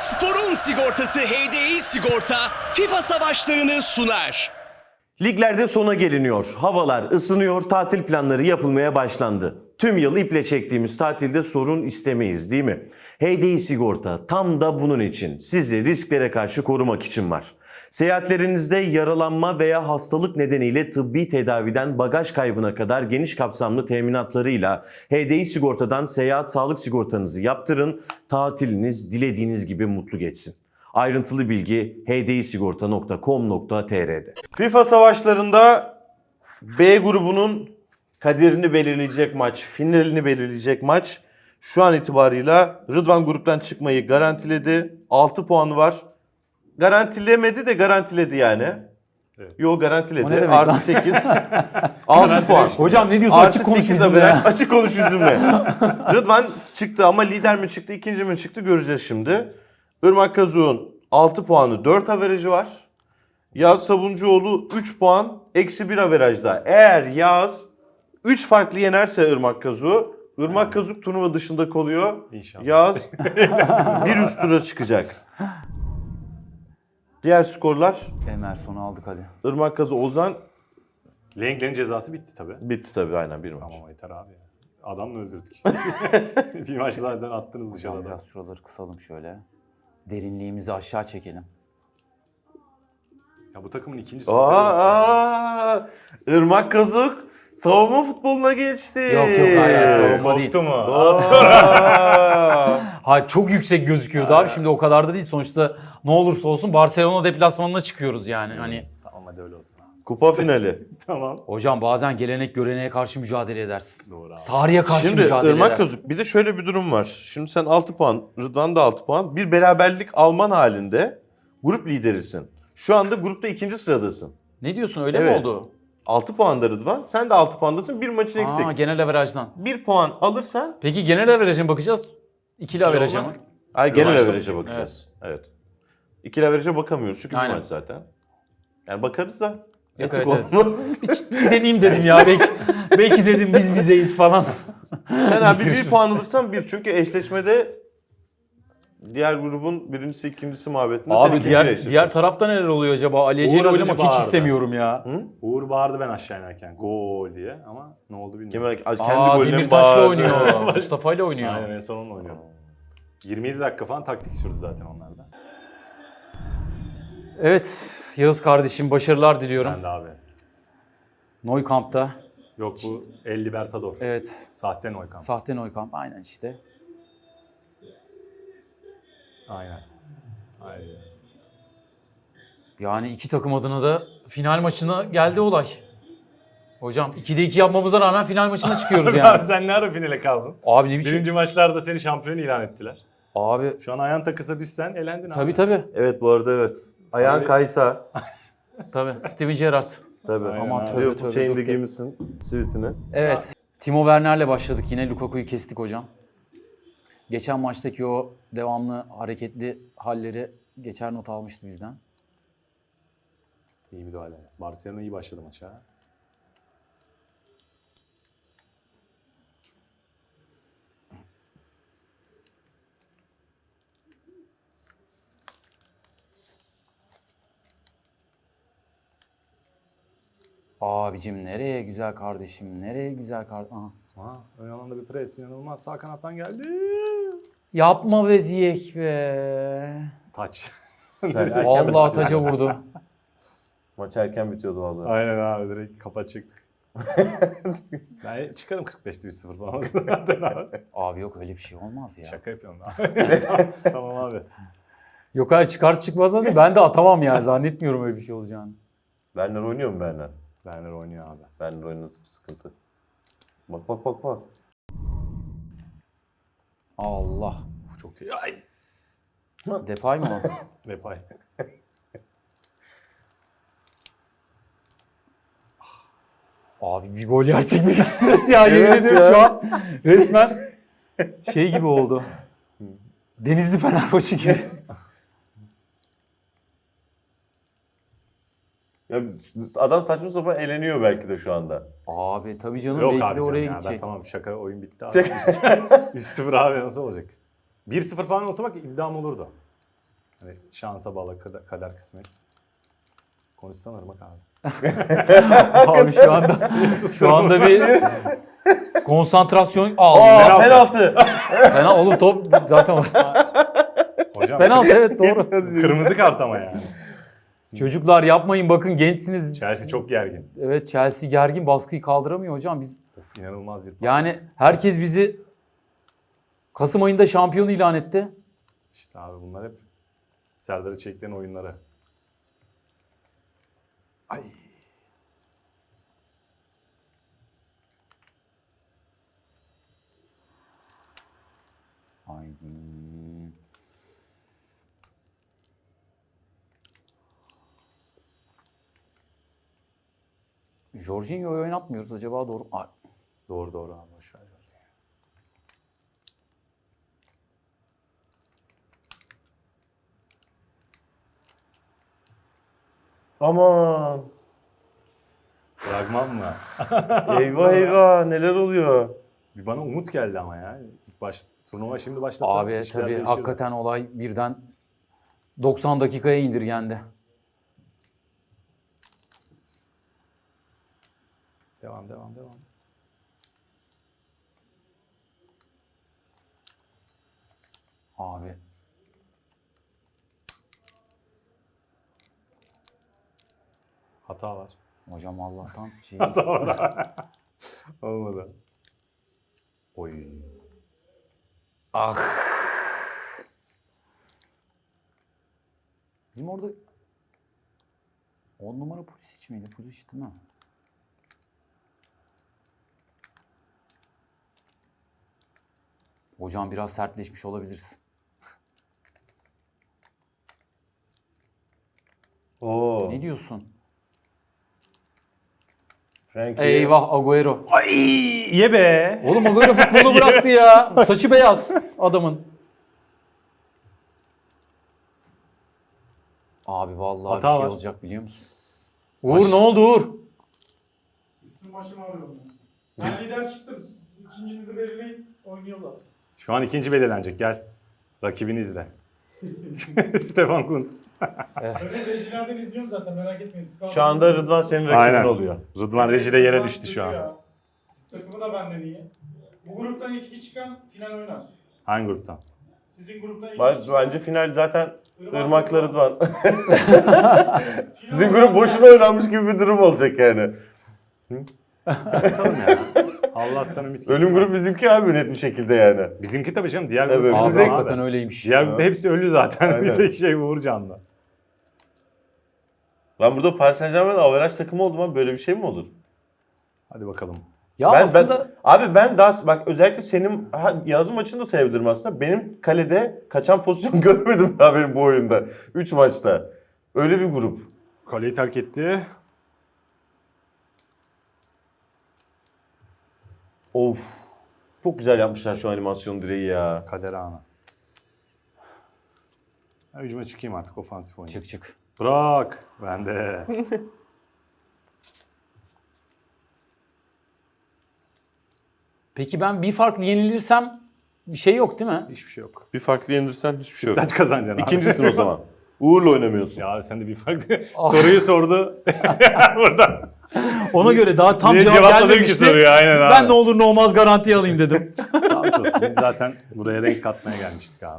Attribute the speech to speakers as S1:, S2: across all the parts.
S1: Sporun sigortası HDI Sigorta FIFA savaşlarını sunar.
S2: Liglerde sona geliniyor. Havalar ısınıyor, tatil planları yapılmaya başlandı. Tüm yıl iple çektiğimiz tatilde sorun istemeyiz, değil mi? HDI Sigorta tam da bunun için, sizi risklere karşı korumak için var. Seyahatlerinizde yaralanma veya hastalık nedeniyle tıbbi tedaviden bagaj kaybına kadar geniş kapsamlı teminatlarıyla HDI Sigorta'dan seyahat sağlık sigortanızı yaptırın, tatiliniz dilediğiniz gibi mutlu geçsin. Ayrıntılı bilgi hdisigorta.com.tr'de. FIFA savaşlarında B grubunun kaderini belirleyecek maç, finalini belirleyecek maç şu an itibarıyla Rıdvan gruptan çıkmayı garantiledi. 6 puanı var. Garantilemedi de garantiledi yani.
S3: Evet.
S2: Yo
S4: O ne
S2: garantiledi.
S4: demek
S2: Artı
S4: lan?
S2: 8. 6 puan.
S4: Hocam ne diyorsun?
S2: Artı
S4: Açık konuş
S2: 8
S4: bizimle
S2: averaj.
S4: ya.
S2: Açık konuş bizimle. Rıdvan çıktı ama lider mi çıktı, ikinci mi çıktı göreceğiz şimdi. Irmak Kazuk'un 6 puanı 4 averajı var. Yağız Sabuncuoğlu 3 puan eksi 1 averajda. Eğer Yağız 3 farklı yenerse Irmak Kazuk'u, Irmak Kazuk turnuva dışında kalıyor.
S3: İnşallah.
S2: Yağız bir üst tura çıkacak. Diğer skorlar
S4: Emerson'u aldık hadi.
S2: Irmak Kazuk, Ozan
S3: Lenglen'in cezası bitti tabii.
S2: bitti tabii aynen bir maç.
S3: Tamam yeter abi ya. Adamla öldürdük. Bir maç zaten attınız
S4: Hocam
S3: dışarıda.
S4: biraz şuraları kısalım şöyle. Derinliğimizi aşağı çekelim.
S3: Ya bu takımın ikinci stoperi yok ya.
S2: Irmak Kazuk savunma futboluna geçti.
S4: Yok, hayır, savunma değil.
S3: Korktu mu?
S2: Aa.
S4: Ha çok yüksek gözüküyordu abi. Şimdi o kadar da değil. Sonuçta ne olursa olsun Barcelona deplasmanına çıkıyoruz yani. Hani
S3: Tamam hadi öyle olsun abi.
S2: Kupa finali.
S3: Tamam.
S4: hocam bazen gelenek göreneğe karşı mücadele edersin.
S3: Doğru abi.
S4: Tarihe karşı
S2: Şimdi
S4: mücadele
S2: Irmak
S4: edersin.
S2: Kazuk bir de şöyle bir durum var. Şimdi sen 6 puan, Rıdvan da 6 puan. Bir beraberlik alman halinde grup liderisin. Şu anda grupta ikinci sıradasın.
S4: Ne diyorsun öyle mi
S2: Evet.
S4: oldu?
S2: 6 puanda Rıdvan. Sen de 6 puandasın. Bir maçın eksik.
S4: Aa, genel averajdan.
S2: 1 puan alırsan
S4: Peki genel averaja mı bakacağız? İkili averaja mı?
S3: olmaz.
S2: genel
S3: Rövanş
S2: averaja
S3: yok.
S2: bakacağız. Evet. İkili averaja bakamıyoruz çünkü bir
S4: Aynen.
S2: maç zaten. Yani bakarız da
S4: Yok,
S2: etik
S4: evet, evet.
S2: olmaz.
S4: Bir deneyeyim dedim ya. Belki dedim biz bizeyiz falan.
S2: Sen abi bir puan alırsan bir. Çünkü eşleşmede diğer grubun birincisi ikincisi muhabbetinde sen
S4: Abi
S2: ikinciyle
S4: diğer
S2: eşleşiyorsun.
S4: tarafta neler oluyor acaba? Ali Ece'yle
S3: Uğur Atıcı
S4: oynamak hiç
S3: bağırdı.
S4: istemiyorum ya.
S3: Uğur bağırdı ben aşağı inerken. Gol diye ama ne oldu bilmiyorum.
S2: Kendi
S4: Aa,
S2: golüne
S4: Demirtaş'la
S2: bağırdı.
S4: oynuyor. Mustafa'yla oynuyor.
S3: Aynen en son onunla oynuyordu. 27 dakika falan taktik sürdü zaten onlarda.
S4: Evet, Yağız kardeşim başarılar diliyorum.
S3: Ben de abi.
S4: Neukamp'ta.
S3: Yok bu El Libertador.
S4: Evet,
S3: Sahte Neukamp.
S4: sahte Neukamp. Aynen işte.
S3: Aynen. Aynen.
S4: Yani iki takım adına da final maçına geldi olay. Hocam 2'de 2 yapmamıza rağmen final maçına çıkıyoruz
S3: Abi
S4: yani.
S3: sen ne ara finale kaldın?
S4: Abi ne biçim?
S3: Birinci maçlarda seni şampiyon ilan ettiler.
S4: Abi
S3: Şu an ayağın takısa düşsen elendin
S4: tabii
S3: abi.
S4: tabii.
S2: Evet bu arada evet. Ayağın
S3: bir-
S2: kaysa.
S4: Tabii. Steven Gerrard.
S2: Tabii.
S3: Aynen
S4: Aman
S3: abi.
S4: tövbe
S2: Yok,
S4: tövbe.
S2: şeyini de
S4: dur.
S2: giymişsin. Sivitini.
S4: Evet. Timo Werner'le başladık yine. Lukaku'yu kestik hocam. Geçen maçtaki o devamlı hareketli halleri geçer not almıştı bizden.
S3: İyi müdahale. Barcelona iyi başladı maça.
S4: Abicim nereye güzel kardeşim? Nereye güzel kardeşim?
S3: Aha, ön alanda bir pres inanılmaz. Sağ kanattan geldi.
S4: Yapma be Ziyech be.
S3: Taç.
S4: Vallahi taca vurdu.
S2: Maç erken bitiyordu vallahi.
S3: Aynen abi direkt kapatacaktık. Ben çıkarım 45'te 3-0 falan zaten abi.
S4: Abi yok öyle bir şey olmaz ya.
S3: Şaka yapıyorum abi. Tamam abi.
S4: Yok hayır çıkar çıkmaz da ben de atamam yani. Zannetmiyorum öyle bir şey olacağını.
S2: Werner oynuyor mu Werner?
S3: Werner oynuyor abi.
S2: Werner oynasın bir sıkıntı. Bak bak bak bak.
S4: Allah.
S3: Çok iyi. Ay.
S4: Depay mı o?
S3: Depay.
S4: Abi bir gol yersek büyük stres ya. Yemin
S2: Evet
S4: ederim
S2: ya.
S4: şu an resmen şey gibi oldu. Denizli Fenerbahçe gibi.
S2: Ya adam saçma sapan eleniyor belki de şu anda.
S4: Abi tabii canım
S3: Yok
S4: belki
S3: abi
S4: de oraya
S3: canım ya. Ben
S4: gidecek.
S3: tamam şaka oyun bitti abi. 3-0 abi nasıl olacak? 1-0 falan olsa bak iddiam olurdu. Hani şansa bağlı kader kısmet. Konuşsana Irmak abi.
S4: Abi şu anda bir konsantrasyon
S2: Aa, penaltı.
S4: Fena oğlum top zaten
S3: Hocam
S4: penaltı evet doğru.
S3: kırmızı kart ama yani.
S4: Çocuklar yapmayın bakın gençsiniz.
S3: Chelsea çok gergin.
S4: Evet Chelsea gergin baskıyı kaldıramıyor hocam biz.
S3: Of inanılmaz bir pas.
S4: Yani herkes bizi Kasım ayında şampiyon ilan etti.
S3: İşte abi bunlar hep Serdar'ı çektiğin oyunları. Ay.
S4: Ayzin. Jorginho'yu oynatmıyoruz acaba doğru.
S3: Doğru abi boş ver.
S2: Aman.
S3: Fragman mı?
S2: Eyvah eyvah neler oluyor?
S3: Bir bana umut geldi ama ya. Turnuva şimdi başlasa
S4: Abi
S3: işler
S4: tabii
S3: değişirdi.
S4: hakikaten olay birden 90 dakikaya indirgendi.
S3: Devam.
S4: Abi
S3: Hata var.
S4: hocam Allah'tan şey
S3: Hata var. Olmadı. Oy.
S4: Ah. Bizim orada 10 numara Pulisic miydi? Pulisic değil mi? Hocam biraz sertleşmiş olabiliriz.
S2: Oo.
S4: Ne diyorsun?
S2: Frankie.
S4: Eyvah Agüero.
S3: Ay ye be.
S4: Oğlum Agüero futbolu bıraktı ya. Saçı beyaz adamın. Abi vallahi
S3: Hata
S4: bir şey
S3: var.
S4: olacak biliyor musun? Uğur ne oldu Uğur?
S5: Üstüm başım ağrıyor. Ben lider çıktım. Siz ikincinizi belirleyin. Oynuyorlar.
S3: Şu an ikinci belirlenecek gel. Rakibini izle. Stefan Kuntz.
S5: Ben rejilerden izliyorum zaten merak etmeyin. Siz
S2: Şu anda Rıdvan senin rakibin
S3: Aynen.
S2: oluyor.
S3: Rıdvan rejide yere düştü şu an.
S5: Takımı da benden iyi. Bu gruptan ilk iki çıkan final oynar.
S3: Hangi gruptan?
S5: Sizin gruptan ilk iki çıkan...
S2: Bence final zaten Irmak'la Rıdvan.
S5: Final
S2: Sizin
S5: oynar.
S2: grup boşuna oynanmış gibi bir durum olacak yani.
S3: Bakalım ya. Allah'tan ümit kesilmez.
S2: Ölüm grup bizimki abi net bir şekilde yani.
S3: Bizimki tabii canım diğer
S2: Evet,
S3: grup.
S4: Abi
S2: Bizde-
S4: hakikaten öyleymiş.
S3: Diğer grupta hepsi ölü zaten.
S2: Aynen.
S3: Bir tek şey Uğur Can'da.
S2: Ben burada Paris Saint-Germain averaj takımı oldum ama böyle bir şey mi olur?
S3: Hadi bakalım.
S4: Ya aslında
S2: ben daha bak özellikle senin yazım maçını da sayabilirim aslında. Benim kalede kaçan pozisyon görmedim daha benim bu oyunda. 3 maçta. Öyle bir grup.
S3: Kaleyi terk etti.
S2: Of. Çok güzel yapmışlar şu animasyon direği ya.
S3: Kader anı. Ben hücuma çıkayım artık ofansif oynayayım.
S4: çık.
S3: Bırak. Ben de.
S4: Peki ben bir farklı yenilirsem bir şey yok değil mi?
S3: Hiçbir şey yok.
S2: Bir farklı yenilirsen hiçbir şey yok.
S3: Kaç kazanacaksın abi?
S2: İkincisin o zaman. Uğur'la oynamıyorsun.
S3: Ya abi sen de bir farklı soruyu sordu. Burada.
S4: Ona göre daha tam
S3: Niye
S4: cevap
S3: cevapladım ki
S4: gelmemişti.
S3: soruyu? Aynen abi.
S4: Ben ne olur ne olmaz garantiye alayım dedim.
S3: Sağlık olsun. Biz zaten buraya renk katmaya gelmiştik abi.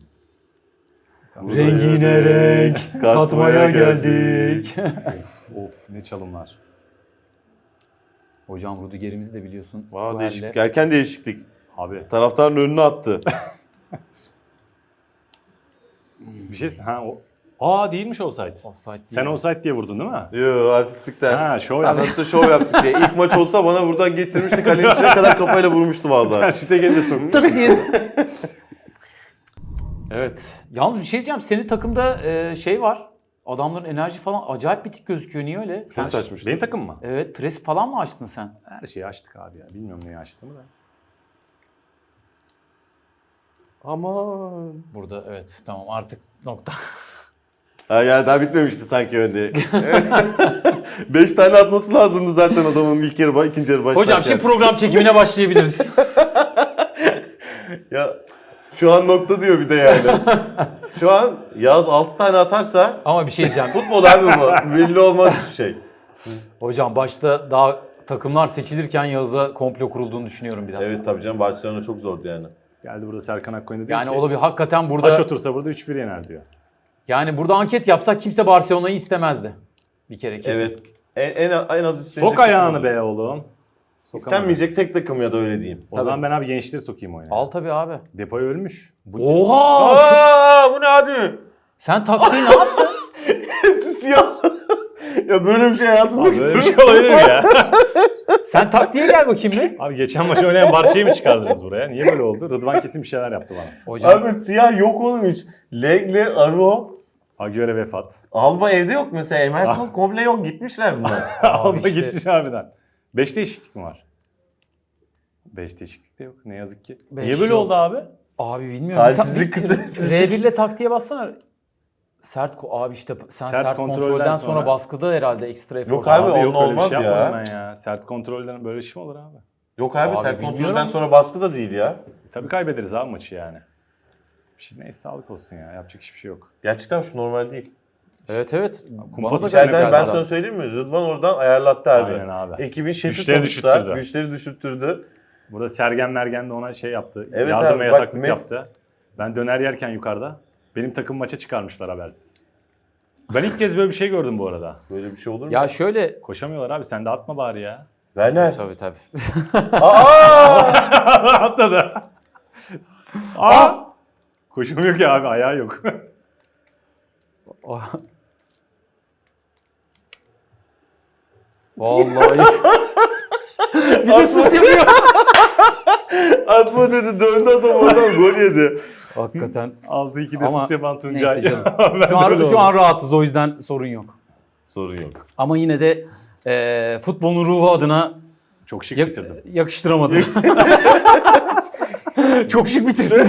S4: Rengine renk katmaya geldik.
S3: Of ne çalımlar.
S4: Hocam Rudiger'imizi de biliyorsun. bu
S2: Vay
S4: halde-
S2: değişiklik. Erken değişiklik.
S3: Abi
S2: Taraftarın önüne attı.
S3: bir şey o. Değilmiş offside.
S4: Offside değil.
S3: Sen offside diye vurdun değil mi?
S2: Yo artistlikten.
S3: Ha şov
S2: Ya
S3: yaptın.
S2: nasıl şov yaptık diye. İlk maç olsa bana buradan getirmişti. Kalenin içine kadar kafayla vurmuştu vallahi.
S3: Şite geliyorsun.
S4: Evet. Yalnız bir şey diyeceğim. Senin takımda şey var. Adamların enerji falan acayip bitik gözüküyor. Niye öyle? Sen
S2: Pres açmıştı.
S3: Benim takım mı?
S4: Evet. Pres falan mı açtın sen?
S3: Her şeyi açtık abi ya. Bilmiyorum neyi açtığımı da.
S2: Aman.
S4: Burada evet. Tamam artık nokta.
S2: Ha yani daha bitmemişti sanki önde. 5 tane atması lazımdı zaten adamın ilk yarı, ikinci yarı başlarken.
S4: Hocam şimdi program çekimine başlayabiliriz.
S2: Ya Şu an nokta diyor bir de yani. Şu an Yağız 6 tane atarsa
S4: Ama bir şey diyeceğim.
S2: futbol abi bu. Belli olmaz bir şey.
S4: Hocam başta daha takımlar seçilirken Yağız'a komplo kurulduğunu düşünüyorum biraz.
S2: Evet tabii canım, Barcelona çok zordu yani.
S3: Geldi burada Serkan Akkoyun'a diyor
S4: Yani
S3: ki
S4: olabilir. Hakikaten
S3: taş
S4: burada
S3: otursa burada 3-1 yener diyor.
S4: yani burada anket yapsak kimse Barcelona'yı istemezdi. Bir kere kesin.
S2: Evet. En az istenecek.
S3: Sok ayağını be oğlum. Sokamadı.
S2: İstenmeyecek tek takım ya da öyle diyeyim.
S3: O zaman ben abi gençleri sokayım oyuna.
S4: Al tabii abi.
S3: Depay ölmüş. Bu
S4: Oha!
S2: Aa, bu ne abi?
S4: Sen taktiği ne yaptın?
S2: Hepsi siyah. Ya böyle bir şey hayatımda
S3: Abi böyle bir şey olabilir mi ya?
S4: Sen taktiğe gel bakayım bir.
S3: Abi geçen maç oynayan Barça'yı mı çıkardınız buraya? Niye böyle oldu? Rıdvan kesin bir şeyler yaptı bana.
S4: Hocam
S2: Abi siyah yok oğlum hiç. Legle, Aro,
S3: Agüero vefat.
S2: Alba evde yok mesela. Emerson komple yok. Gitmişler bunlar.
S3: Alba
S4: işte.
S3: gitmiş harbiden. 5 değişiklik mi var? 5 değişiklik de yok. Ne yazık ki.
S4: Beş
S3: Niye böyle
S4: yok.
S3: oldu abi?
S4: abi bilmiyorum.
S2: Halsizlik, kısmetsizlik.
S4: R1 ile taktiğe bassana. Abi işte sen sert kontrolden sonra baskıda herhalde ekstra efor.
S2: Yok abi,
S3: yok
S2: onunla
S3: öyle bir
S2: olmaz
S3: şey
S2: ya.
S3: yapmadım ben ya. Sert kontrolden böyle iş mi olur abi?
S2: Yok abi,
S4: Abi
S2: sert
S4: bilmiyorum.
S2: kontrolden sonra baskı da değil ya.
S3: Tabii kaybederiz abi maçı yani. Bir şey, neyse sağlık olsun ya. Yapacak hiçbir şey yok.
S2: Gerçekten şu normal değil.
S4: Evet.
S3: Kumpas
S4: Bana da
S3: içeriden
S4: geldi
S2: İçeriden ben
S4: zaten.
S2: sana söyleyeyim mi? Rıdvan oradan ayarlattı abi.
S3: Aynen abi.
S2: Ekibin şefi
S3: Güçleri
S2: sonuçta.
S3: düşürttürdü.
S2: Güçleri düşürttürdü.
S3: Burada Sergen Mergen de ona şey yaptı.
S2: Evet
S3: yardım
S2: abi,
S3: ve
S2: bak
S3: yataklık yaptı. Ben döner yerken yukarıda benim takım maça çıkarmışlar habersiz. Ben ilk kez böyle bir şey gördüm bu arada.
S2: Böyle bir şey olur mu?
S4: Ya şöyle
S3: Koşamıyorlar abi, sen de atma bari ya.
S2: Werner.
S4: tabii.
S2: Aa!
S3: Atladı. Aa! Koşamıyor ki abi, ayağı yok.
S4: Vallahi. Bir de sus yapıyor.
S2: Atma dedi, döndü adam oradan gol yedi.
S4: Hakikaten.
S3: 6-2'de
S4: Ama
S3: sis yapan Tuncay.
S4: neyse canım.
S3: Ben
S4: Şu an,
S3: de öyle
S4: şu an
S3: oldum.
S4: rahatız, o yüzden sorun yok.
S2: Sorun yok.
S4: Ama yine de futbolun ruhu adına
S3: Çok şık bitirdim.
S4: yakıştıramadım. Çok şık bitirdim.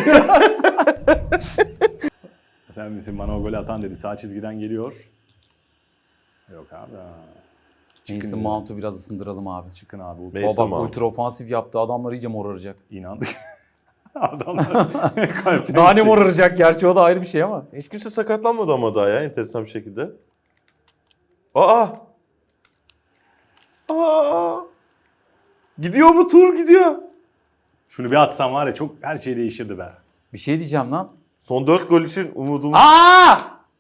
S3: Sen misin bana o golü atan dedi. Sağ çizgiden geliyor. Yok abi. Çıkın
S4: Mason
S3: ya.
S4: Mount'u biraz ısındıralım abi.
S3: Çıkın abi.
S2: Mason
S4: Bak
S2: Mount.
S4: ultra ofansif yaptı. Adamlar iyice moraracak.
S3: İnandık. Adamlar kalpten
S4: Daha ne
S3: gidecek.
S4: moraracak gerçi, o da ayrı bir şey ama.
S2: Hiç kimse sakatlanmadı ama daha ya, enteresan bir şekilde. Aa! Aa! Gidiyor mu tur, gidiyor.
S3: Şunu bir atsam var ya, çok her şey değişirdi be.
S4: Bir şey diyeceğim lan.
S2: Son 4 gol için umudumuz.
S4: Aa!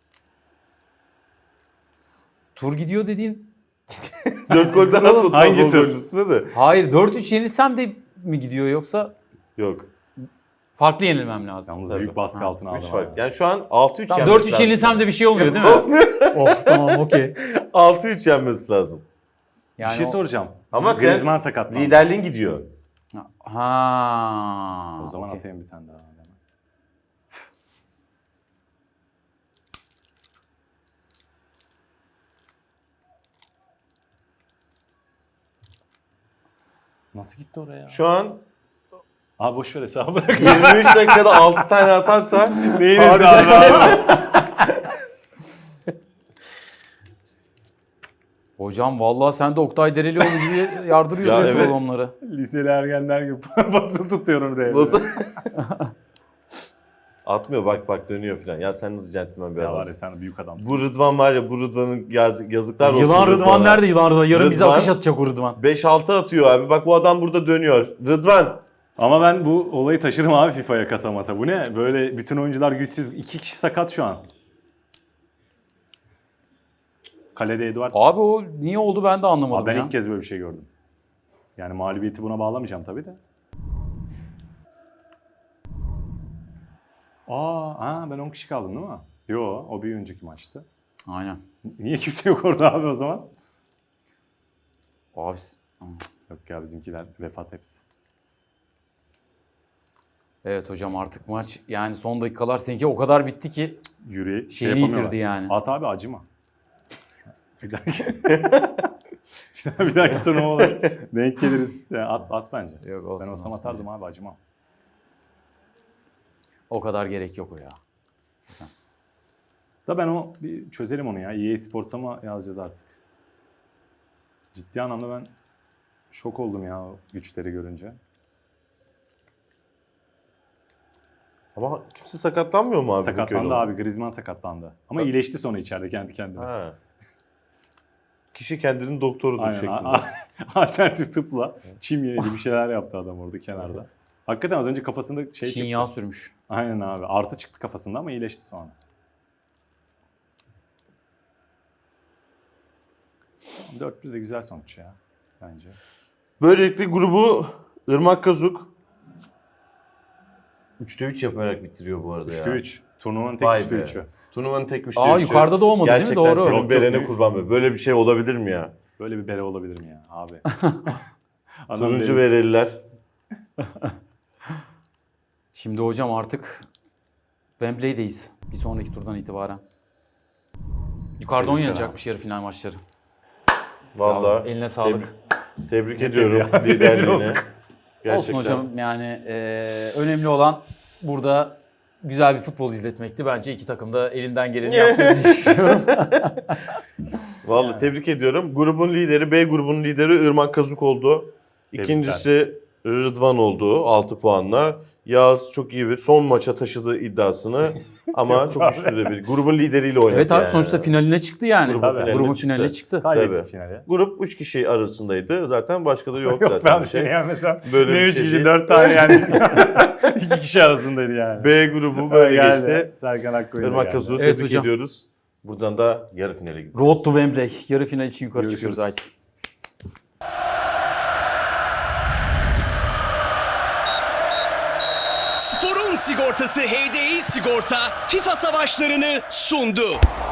S4: Tur gidiyor dediğin.
S2: 4 golden atlasın.
S3: Hangi
S2: son
S3: tur?
S2: golün üstüne de.
S4: Hayır, 4-3 yenilsem de mi gidiyor, yoksa
S2: Yok.
S4: farklı yenilmem lazım.
S3: Yalnız
S2: Tabii.
S3: büyük baskı
S4: Ha,
S3: altına
S2: 3
S3: aldım
S2: fark.
S3: abi.
S2: Yani şu an 6-3
S4: Tamam,
S2: yenmesi
S4: 4-3 yenilsem de bir şey olmuyor değil mi? Oh tamam, okey.
S2: 6-3 yenmesi lazım.
S4: Yani
S3: Bir şey
S4: o-
S3: soracağım.
S2: Ama sen
S3: Griezmann sakatlandı.
S2: Liderliğin gidiyor.
S4: Ha.
S3: O zaman
S4: okey.
S3: atayım bir tane daha. Nasıl gitti oraya?
S2: Şu an
S3: Abi boş ver hesabı bırak.
S2: 23 dakikada 6 tane atarsa
S3: Neyiniz
S2: Harbi.
S3: abi?
S4: Hocam vallahi sen de Oktay Derelioğlu gibi yardırıyorsun
S2: Ya
S4: şu
S2: evet.
S4: adamları.
S3: Liseli ergenler gibi basın tutuyorum R'ye.
S2: nasıl? Atmıyor, bak dönüyor falan. Ya sen nasıl centilmen bir
S3: Ya var ya,
S2: adamsın.
S3: sen büyük adamsın.
S2: Bu Rıdvan var ya, bu Rıdvan'ın yazıklar olsun.
S4: Yılan Rıdvan nerede, Yılan Rıdvan? Yarın bize
S2: Rıdvan-
S4: akış atacak o Rıdvan.
S2: 5-6 atıyor abi. Bak bu adam burada dönüyor. Rıdvan.
S3: Ama ben bu olayı taşırım abi FIFA'ya, kasa masa. Bu ne? Böyle bütün oyuncular güçsüz. 2 kişi sakat şu an. Kalede Eduard.
S4: Abi o niye oldu ben de anlamadım
S3: Abi ben
S4: ya.
S3: ilk kez böyle bir şey gördüm. Yani mağlubiyeti buna bağlamayacağım tabii de. Ben 10 kişi kaldım değil mi? Yo, o bir önceki maçtı.
S4: Aynen.
S3: Niye kimse yok orada abi o zaman?
S4: Abi
S3: Yok ya, bizimkiler vefat hepsi.
S4: evet hocam, artık maç yani son dakikalar seninki o kadar bitti ki
S3: Yürü,
S4: şeyini
S3: yapamıyorlar.
S4: yitirdi yani.
S3: At abi, acıma. Bir dahaki bir dahaki turnuvalar denk geliriz. Yani at bence.
S4: Yok, olsun,
S3: Ben olsam
S4: olsun.
S3: atardım abi, acımam.
S4: O kadar gerek yok o ya.
S3: Da ben bir çözelim onu ya. EA Sports'a mı yazacağız artık? Ciddi anlamda ben şok oldum ya o güçleri görünce.
S2: Ama kimse sakatlanmıyor mu abi? bu
S3: Sakatlandı
S2: köyde?
S3: abi. Griezmann sakatlandı. Ama iyileşti sonra içeride kendi kendine.
S2: Ha. Kişi kendinin doktorudur
S3: Aynen.
S2: şeklinde.
S3: Alternatif tıpla çim yedi bir şeyler yaptı adam orada kenarda. Hakikaten az önce kafasında şey
S4: Çin
S3: çıktı.
S4: yağı sürmüş.
S3: Aynen abi. Artı çıktı kafasında ama iyileşti sonra. 4-1 de güzel sonuç ya bence.
S2: Böylelikle grubu Irmak Kazuk 3'te 3 yaparak bitiriyor bu arada
S3: 3'te
S2: ya.
S3: 3. Turnuvanın tek
S2: Vay
S3: 3'te
S2: be.
S3: 3'ü.
S2: Turnuvanın tek 3'te 3'ü.
S4: Aa yukarıda da olmadı değil mi?
S2: Gerçekten
S4: Doğru.
S2: senin
S3: Yok,
S2: berene
S3: yok.
S2: kurban be. Böyle bir şey olabilir mi ya?
S3: Böyle bir bere olabilir mi ya abi? Adam
S2: Turuncu
S3: deniz-
S2: bereliler.
S4: Şimdi hocam artık Wembley'deyiz. Bir sonraki turdan itibaren. Yukarıda oynanacakmış yarı final maçları.
S2: Vallahi
S4: Eline sağlık.
S2: tebrik ediyorum
S3: ya? Rezil
S2: liderliğine.
S3: olduk.
S2: Gerçekten.
S4: Olsun hocam yani önemli olan burada güzel bir futbol izletmekti. Bence iki takım da elinden geleni yaptığını düşünüyorum.
S2: Vallahi tebrik ediyorum. Grubun lideri, B grubunun lideri Irmak Kazuk oldu. İkincisi Rıdvan oldu 6 puanla. Yağız çok iyi bir son maça taşıdı iddiasını ama çok güçlü de bir grubun lideriyle oynadı.
S4: Evet abi
S2: yani.
S4: sonuçta finaline çıktı yani.
S2: Grubun
S4: Grubun
S2: finaline
S4: finaline
S2: çıktı.
S4: çıktı.
S3: Kaybetti
S2: Tabii.
S3: finale.
S2: Grup 3 kişi arasındaydı. Zaten başka da yok
S3: Yok
S2: zaten
S3: ben
S2: bir şey.
S3: seni yenmesem.
S2: Böyle
S3: Ne
S2: bir
S3: 3
S2: şey
S3: kişi
S2: değil.
S3: 4 tane yani. 2 kişi arasındaydı yani.
S2: B grubu böyle
S3: Geldi.
S2: geçti.
S3: Serkan Akkoyun'a
S2: Irmak
S3: geldi.
S2: Kazuk'u
S4: Evet
S2: tebrik
S4: hocam.
S2: ediyoruz. Buradan da yarı finale gidiyoruz.
S4: Road to Wembley. Yarı final için yukarı
S3: Görüşürüz.
S4: çıkıyoruz Ait.
S1: Sporun sigortası HDI Sigorta FIFA savaşlarını sundu.